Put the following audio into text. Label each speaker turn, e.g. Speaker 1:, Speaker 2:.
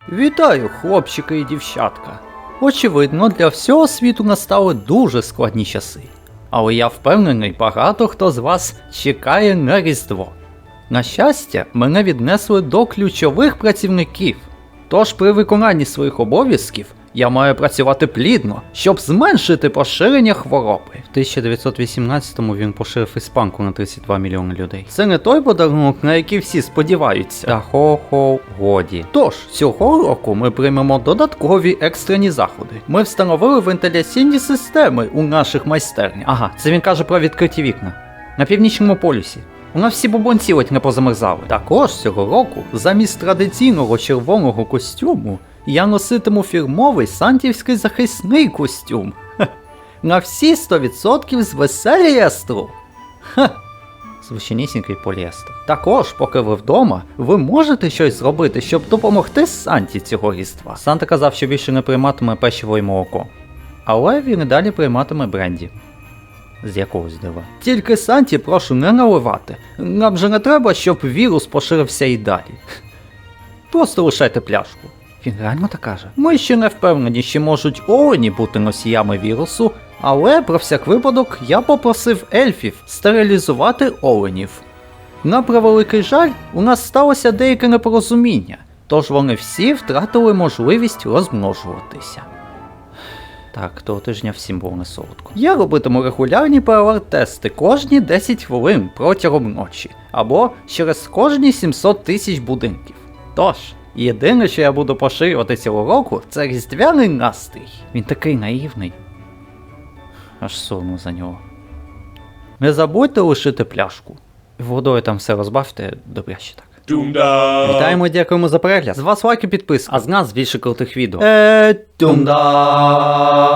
Speaker 1: Вітаю, хлопчики і дівчатка. Очевидно, для всього світу настали дуже складні часи. Але я впевнений, багато хто з вас чекає на Різдво. На щастя, мене віднесли до ключових працівників. Тож при виконанні своїх обов'язків я маю працювати плідно, щоб зменшити поширення хвороби. В 1918-му він поширив іспанку на 32 мільйони людей. Це не той подарунок, на який всі сподіваються. Та хо-хо, годі. Тож, цього року ми приймемо додаткові екстрені заходи. Ми встановили вентиляційні системи у наших майстернях. Ага, це він каже про відкриті вікна. На північному полюсі. У нас всі бубонці не позамерзали. Також цього року, замість традиційного червоного костюму, я носитиму фірмовий сантівський захисний костюм. На всі 100% з веселієстру. Звичайнісінький поліестер. Також, поки ви вдома, ви можете щось зробити, щоб допомогти Санті цього різдва. Санта казав, що більше не прийматиме печиво і молоко. Але він і далі прийматиме бренді. З якогось дива. Тільки Санті прошу не наливати. Нам же не треба, щоб вірус поширився і далі. Просто лишайте пляшку. Він реально так каже? Ми ще не впевнені, чи можуть олені бути носіями вірусу, але про всяк випадок я попросив ельфів стерилізувати оленів. На превеликий жаль, у нас сталося деяке непорозуміння, тож вони всі втратили можливість розмножуватися. Так, того тижня всім було не солодко. Я робитиму регулярні ПЛР-тести кожні 10 хвилин протягом ночі, або через кожні 700 тисяч будинків. Тож, єдине, що я буду поширювати цього року, це різдвяний настрій. Він такий наївний. Аж сумно за нього. Не забудьте лишити пляшку. Водою там все розбавте, добряще так. Вітаємо і дякуємо за перегляд. З вас лайк і підписка, а з нас більше крутих відео. Тумда!